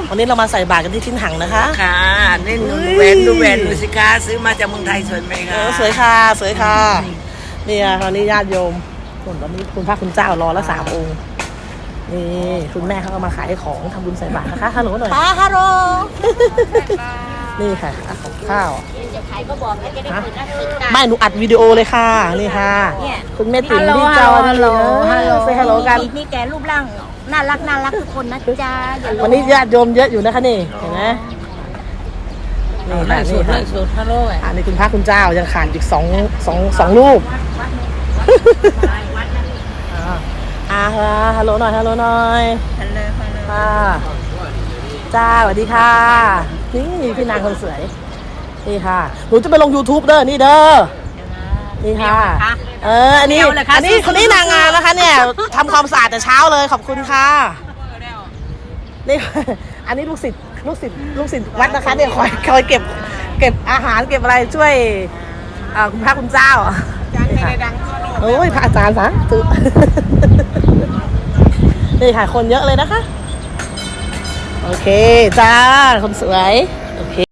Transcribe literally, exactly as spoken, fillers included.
วันนี้เรามาใส่บาตรกันที่ทิ้นหังนะคะค่ะนี่หนูแหวนดูแหวนดูสิคะซื้อมาจากเมืองไทยสวยไหมคะสวยค่ะสวยค่ะนี่ตอนนี้ญาติโยมส่วนตอนนี้คุณพระคุณเจ้ารอละสามองค์นี่คุณแม่เขาก็มาขายของทำบุญใส่บาตรนะคะฮัลโหลหน่อยป้าฮัลโหลนี่ค่ะของข้าวจะขายก็บอกให้จะได้เปิดหน้าติดตาไม่หนูอัดวิดีโอเลยค่ะนี่ค่ะคุณแม่ติ๋มที่จอฮัลโหลฮัลโหลเซฮัลโหลกันมีแกรูปร่างน่ารักน่ารักทุกคนนะจ๊ะวันนี้ญาติโยมเยอะอยู่นะคะนี่เห็นไหมนี่ค่ะนี่ค่ะฮัลโหลอันนี้คุณพระคุณเจ้ายังขาดอีกสองสองสองรูปอ่าฮัลโหลหน่อยฮัลโหลหน่อยฮัลโหลฮัลโหลค่ะจ้าสวัสดีค่ะนี่พี่นางคนสวยนี่ค่ะหนูจะไปลง ยูทูบ เด้อนี่เด้อนี่ค่ะเอออันนี้อันนี้คนนี้นางงามนะคะเนี่ยทำความสะอาดแต่เช้าเลยขอบคุณค่ะนี่อันนี้ลูกศิษย์ลูกศิษย์ลูกศิษย์วัดนะคะเนี่ยคอยคอยเก็บเก็บอาหารเก็บอะไรช่วยคุณพระคุณเจ้าโอ้ยพระอาจารย์สาธุนี่ค่ะคนเยอะเลยนะคะโอเคจ้าคนสวยโอเค